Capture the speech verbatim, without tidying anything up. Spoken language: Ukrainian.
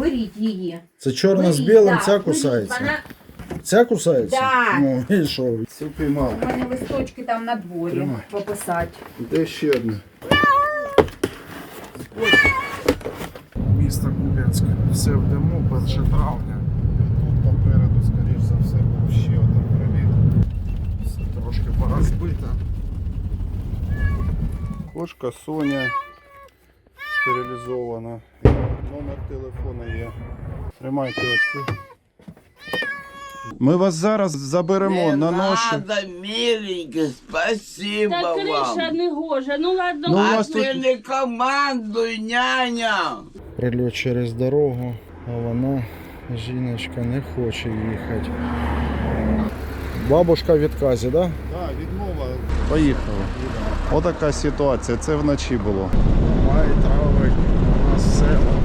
беріть її. Це чорна Беріть, з білим, да, ця беріть, кусається. Вона... Ця кусається? Да. Ну, і що? Цю піймав. У мене листочки там на дворі Тримай. пописати. Де ще одне? Місто Куп'янськ. Все в диму, перше травня. Тут попереду, скоріш за все, був ще один приліт. Все трошки порозбито. Кошка Соня стерилізована. Номер телефона є. Тримайте оцю. Ми вас зараз заберемо Не на ноші. надо, миленький, спасибо Та криша вам. не гоже, ну ладно. Ну, у А вас ти тут- не командуй, няня. Прильот через дорогу, а вона, жіночка, не хоче їхати. Бабушка в відказі, так? Да? Так, відмова. Поїхали. Отака ситуація, це вночі було. Май, травень, у нас все.